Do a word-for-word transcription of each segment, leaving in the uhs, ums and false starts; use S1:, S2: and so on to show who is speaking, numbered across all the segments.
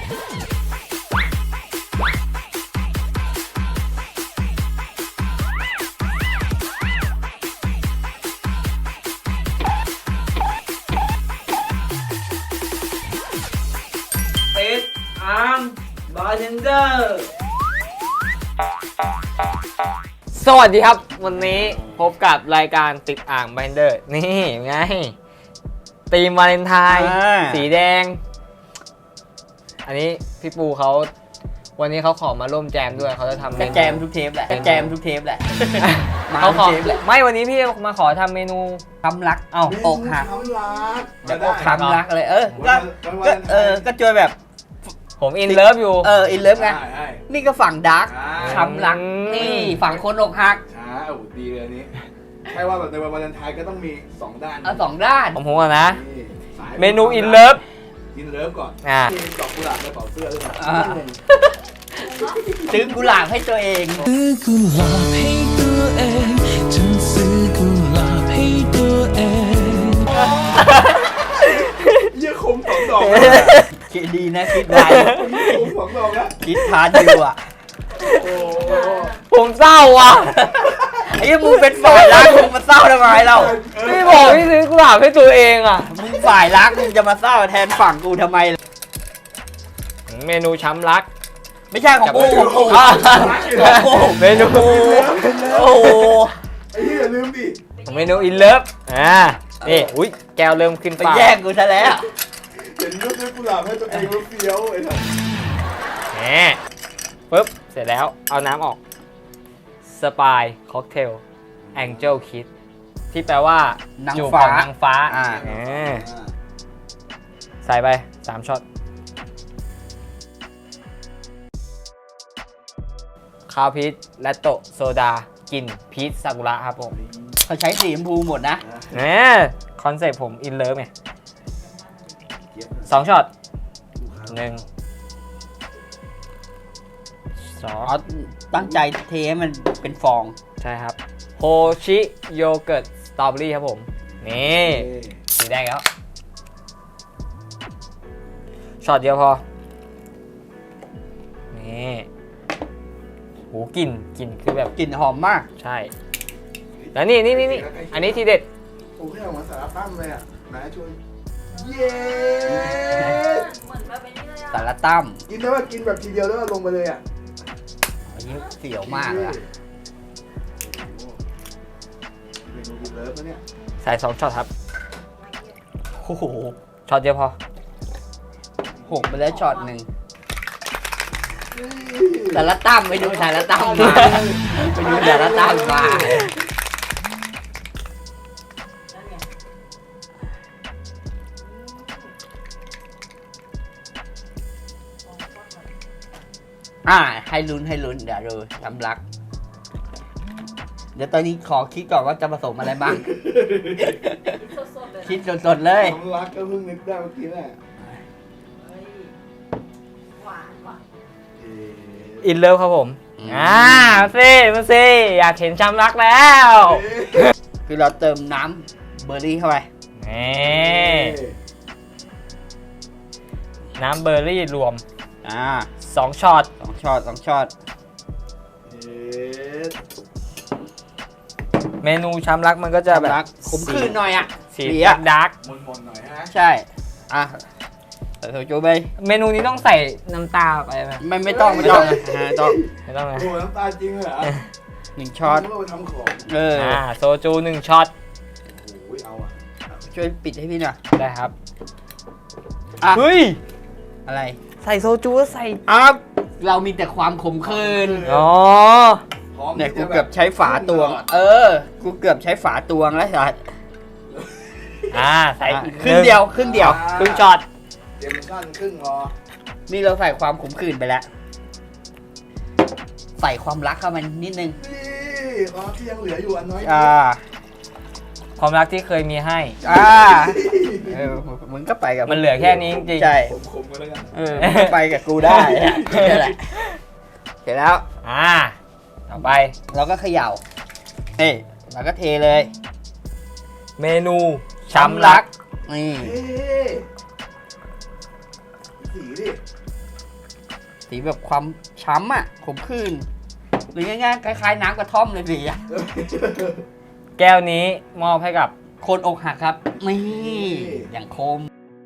S1: ติดอ่างบาร์เทนเดอร์สวัสดีครับวันนี้พบกับรายการติดอ่างบาร์เทนเดอร์นี่ไงธีมวาเลนไทน์สีแดงอันนี้พี่ปูเขาวันนี้เขาขอมาร่วมแจมด้วยเขาจะทำ
S2: ก็แจมทุกเทปแหละก็แจมทุกเทปแหละ
S1: เขาขอไม่วันนี้พี่มาขอทำเมนู
S2: คำรักเอ้าอกหัก
S3: คำรัก
S2: จะอกคำรักอะไรเออก็ก็เออก็จอยแบบ
S1: ผมอินเลิฟอยู่
S2: เอออินเลิฟไงนี่ก็ฝั่งดาร์กคำรักนี่ฝั่งคนอกหัก
S3: ช้าโอ้ดีเลยนี้ใช่ว่าแบบในวันวาเลนไทน์ก็ต้องมีสองด้าน
S2: เอาสองด้าน
S1: ผมพูดนะเมนูอินเลิฟ
S3: อินเลิฟก่อนมีดอกกุหลาบในกระเป๋าเสื้อด้วยนะ
S2: ซื้อกุหลาบให้ตัวเอง
S4: ซื้อกุหลาบให้ตัวเองฉันซื้อกุหลาบให้ตัวเอง
S3: เยี่ยคมสองดอก
S2: คิดดีนะคิดได้
S3: คมสองดอกนะ
S2: คิดทานอยู่อ่ะ
S1: ผมเศร้าอ่ะ
S2: ไอ้มึงเป็นฝ่ายรักมึงมาเศร้าทำไมเรา
S1: พี่บอกพี่ซื้อกุหลาบให้ตัวเองอ่ะ
S2: มึงฝ่ายรักมึงจะมาเศร้าแทนฝั่งกูทำไม
S1: เมนูช้ำรัก
S2: ไม่ใช่ของกูของกู
S1: เมนู
S2: โอ้โห
S3: ไอ้ที่อย่าลืมดิ
S1: เมนูอินเลิฟอ่านี่อุ้ยแก้วเริ่มขึ้น
S2: ปากแย่งกูซะแล้ว
S3: เห็นรูปด้วยกุหลาบให้ตัวเองแล้วเฟี้ยวไอ้ท่าน
S1: แหมปึ๊บเสร็จแล้วเอาน้ำออกสปายค็อกเทลแองเจิลคิดที่แปลว่านางฟ้านางฟ้าอ่าใส่ไปสามช็อตคาวพีชและโตโซดากลิ่นพีชซากุระครับผม
S2: เขาใช้สีชมพูหมดนะ
S1: เนี่ยคอนเซ็ปต์ผมอินเลิฟไงสองช็อตหนึ่งสอง
S2: ตั้งใจเทให้มันเป็นฟอง
S1: ใช่ครับโฮชิโยเกิร์ตสตรอเบอรี่ครับผมนี่สีแดงแล้วช็อตเดียวพอนี่หูกลิ่นกลิ่นคือแบบ
S2: กลิ่นหอมมาก
S1: ใช่แล้วนี่นี่นี่นี่อันนี้ทีเด็ด
S3: โอ้ยออกมาสารตั้มเลยอ่ะนะช่วยเย้
S2: สารตั้ม
S3: กินได้ว่ากินแบบทีเดียวแล้วลงไปเลยอ่ะ
S2: อันนี้เสียวมากเลย
S3: เมนูกินเลิฟนะเนี่ย
S1: ใส่สองช็อตครับ
S2: โอ้โห
S1: ช็อตเดียวพอ
S2: หกไปแล้วช็อตหนึ่งสารตั้มไปดูสารตั้มมาไปดูสารตั้มมาอ่าให้ลุ้นให้ลุ้นเดี๋ยวดูทำรักเดี๋ยวตอนนี้ขอคิดก่อนว่าจะผสมอะไรบ้างคิดสดๆเลย
S3: ทำรักก็เพิ่งนึกได้เมื่อกี้แหละ
S1: อินเลิฟครับผมอ่ามาสิมาสิอยากเห็นช้ำรักแล้ว
S2: คือเราเติมน้ำเบอร์รี่เข้าไป
S1: นี่น้ำเบอร์รี่รวม
S2: อ่า
S1: สองช็อต
S2: สองช็อตสองช็อต
S1: เมนูช้ำรักมันก็จะแบบ
S2: ขมขื่นหน่อยอ่ะ
S1: สีดาร์ก
S3: มนๆหน่อยฮะ
S2: ใช่อ่ะเธอโจไป
S1: เมนูนี้ต้องใส่น้ำตาไปไหม
S2: ไม่ไม่ต้องไม่ต้องไม่ต้อง
S1: ไม่ต้องเลย
S3: โอ้น้ำตาจริงเหรอ
S2: หนึ่งช็อต
S3: ทำของ
S1: เอออ่าโซจูหนึ่งช็อต
S3: โอ้ยเอาอ่ะ
S2: ช่วยปิดให้พี่หน่อย
S1: ได้ครับเฮ้ย
S2: อะไร
S1: ใส่โซจูใส่
S2: อ่ะเรามีแต่ความขมขื่น
S1: อ๋อ
S2: เนี่ยกูเกือบใช้ฝาตวงเออกูเกือบใช้ฝาตวงแล้วสัส
S1: อ่าใส่
S2: ครึ่งเดียวครึ่งเดียว
S1: ครึ่งช็อต
S3: เตรียมสั้นครึ่งรอ
S2: นี่เราใส่ความขมขื่นไปแล้วใส่ความรักเข้ามานิดนึง
S3: นี่ความที่ยังเหลืออยู่อันน้อย
S2: อ่า
S1: ความรักที่เคยมีให้
S2: อ่าเออมึงก็ไปกับ
S1: มันเหลือแค่นี้จริง
S2: ใช่
S3: ขมๆกันแล้วกัน
S2: เออไปกับกูได้นี่แหละเสร็จแล้ว
S1: อ่าต่อไป
S2: เราก็เขย่าเอ้ยเราก็เทเลย
S1: เมนูช้ำรัก
S2: นี่
S3: สีดิ
S2: สีแบบความช้ำอ่ะขมขื่นหรือง่ายๆคล้ายๆน้ำกระท่อมเลยสีอ่ะ
S1: แก้วนี้มอบให้กับ
S2: คนอกหักครับนี่อย่างคม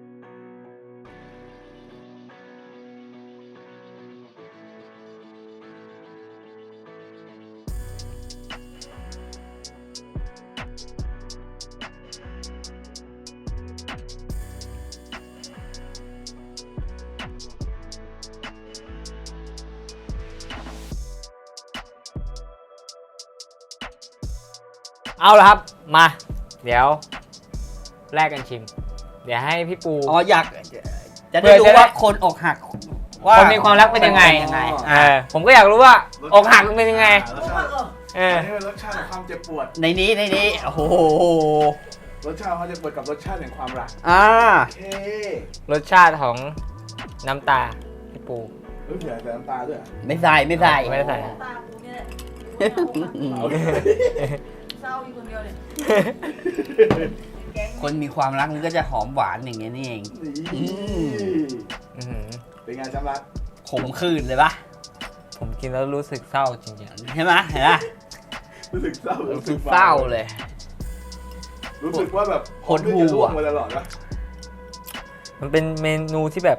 S1: เอาละครับมา เดี๋ยวแลกกันชิม เดี๋ยวให้พี่ปู
S2: อ๋ออยากจะ
S1: เพื่
S2: ได้
S1: อ
S2: รู้
S1: จะได้
S2: ว่าคนอกหักว่า
S1: คนมีความรักเป็นยังไง
S2: ยังไง
S1: เออผมก็อยากรู้ว่าอกหักมันเป็นยังไง
S3: รสชาติ
S1: เออ
S3: อันนี้เป็นรสชาติของความเจ็บปวด
S2: ในนี้ในนี้โอ้โห
S3: รสชาติของความเจ็บปวดกับรสชาติแห่งความรัก
S2: อ่า
S3: โอเค
S1: รสชาติของน้ำตาพี่ปู
S3: เฮ้ยเผื่อใส่น้ำตาด้วยเหรอ
S2: ไม่ใส่ไม่ใส่
S1: ไม่ได้ใส่
S5: ตากูเนี่ย
S3: โอเค
S5: เศร้าอยู่คนเดียวเลยแกง
S2: คนมีความรักมันก็จะหอมหวานอย่างเงี้ยนี่เอง อืม
S1: อื้อหือ
S3: เป็นไงช้ำรัก
S2: ขมขื่นเลยปะ
S1: ผมกินแล้วรู้สึกเศร้าจริง
S2: ใช่ไหมเห็นปะ
S3: รู้สึกเศร้า
S2: รู้สึกเศร้าเลย
S3: รู้สึกว่าแบบ
S2: หดหู่
S3: จะร่วงมาตลอดวะ
S1: ๆมันเป็นเมนูที่แบบ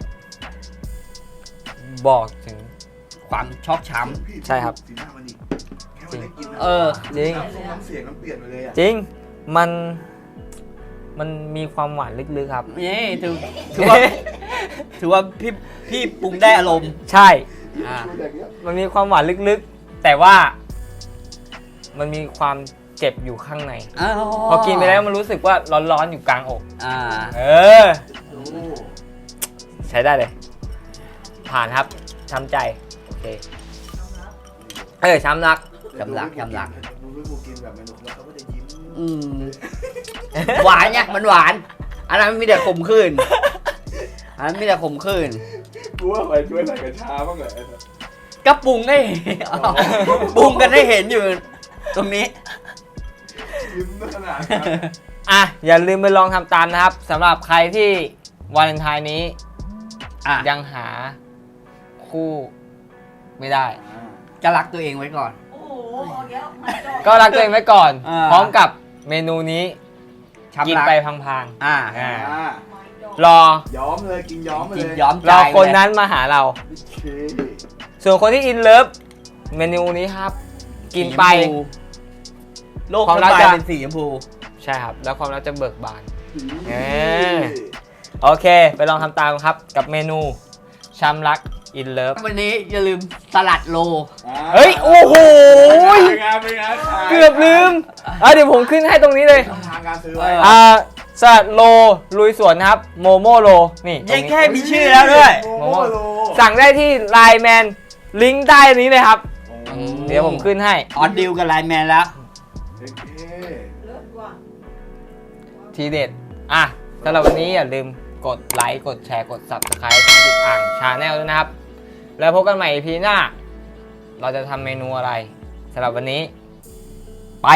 S1: บอกถึง
S2: ความชอกช้
S3: พี่
S1: ใช่ครับ
S3: สีหน้ามันอีกแค่วันได้กินนะ
S2: เออ
S1: จริง
S3: น้ำทรงน้ำเสียงมันเปลี่ยนไปเลยอ่ะ
S1: จริง มัน มันมีความหวานลึกๆครับ
S2: ำนี่ถือถือว่าถือว่าพี่พี่ปรุงได้อารมณ์
S1: ใช่
S2: อ่า
S3: ดูอย่างเงี้ย
S1: มันมีความหวานลึกๆ แต่ว่า มันมีความเจ็บอยู่ข้างใน พอกินไปแล้วมันรู้สึกว่าร้อนๆอยู่กลางอก
S2: อ่า
S1: เออ
S3: โอ้
S1: ใช้ได้เลย ผ่านครับช้ำใจ โอเค เออช้ำรัก
S2: ช้ำรักช้ำรัก
S3: ดูพี่ปูกินแบบเมนูแล้วเขาก็จะยิ้ม
S2: อืมหวานเนี่ยมันหวาน อันนั้นมีแต่ขมขื่นอันนั้นมีแต่ขมขื่น
S3: กูว่าไปช่วยใส่กระชาบ้างเหรอไอ้สัส
S2: ก็ปรุงได้ปรุงกันได้เห็นอยู่ ตรงนี้
S3: ยิ้มขนาดนั้น
S1: อ่ะ อย่าลืมไปลองทำตามนะครับสำหรับใครที่วาเลนไทน์นี้
S2: อ่ะ
S1: ยังหาคู่ไม่ได้
S2: จะรักตัวเองไว้ก่อน
S5: โอ้โหเอาเยอะมาจอ
S1: ก็รักตัวเองไว้ก่อน
S2: อ่า
S1: พร้อมกับเมนูนี้
S2: ช้ำ
S1: กิน
S2: รัก
S1: ไปพัง
S2: อ่า
S1: ๆอ่า
S3: อ่า
S5: มาจอ
S1: รอ
S3: ย้อมเลยกินย้อมไป
S2: กิ
S3: เล
S2: น
S3: ย
S2: ย้อมใจ
S1: รอคน
S2: เลย
S1: นั้นมาหาเรา
S3: โอเค
S1: ส่วนคนที่อินเลิฟเมนูนี้ครับ กินไป
S2: สีชมพูโลก
S1: ความรัก
S2: สบาย
S1: จะ
S2: เป็นสีชมพู
S1: ใช่ครับ แล้วความรักจะเบิกบาน เอ
S3: เอ
S1: อ โอเค ไปลองทำตามครับกับเมนูช้ำรักอินเลิฟ
S2: วันนี้อย่าลืมสลัดโล
S1: เฮ้ย โอ้โห
S3: เป็นไงเป็นไงขาย
S1: เกือบลืมอ่ะเดี๋ยวผมขึ้นให้ตรงนี้เลย
S3: ช่องทางการซื้อไว้
S2: เ
S1: อ่าสลัดโลลุยสวนนะครับโมโมโลนี่ตรง
S2: ยัง
S1: นี้
S2: แค่มีชื่อแล้วด้วย
S3: โมโมโล
S1: สั่งได้ที่ไลน์แมนลิงก์ใต้นี้เลยครับ
S3: โอ้
S1: เดี๋ยวผมขึ้นให้
S2: ออนดิวกับไลน์แมนแล้ว
S3: โอเค
S5: เลิศกว่า
S1: ทีเด็ด อ่ะสำหรับวันนี้อย่าลืมกดไลค์กดแชร์กด ซับสไครบ์ ช่องติดอ่างชาแนลด้วยนะครับ แล้วพบกันใหม่ อี พี หน้า เราจะทำเมนูอะไรสำหรับวันนี้ ไป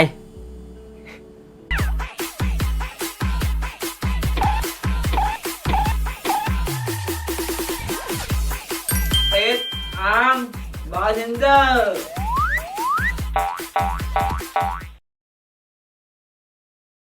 S1: ติดอ่างบาร์เทนเดอร์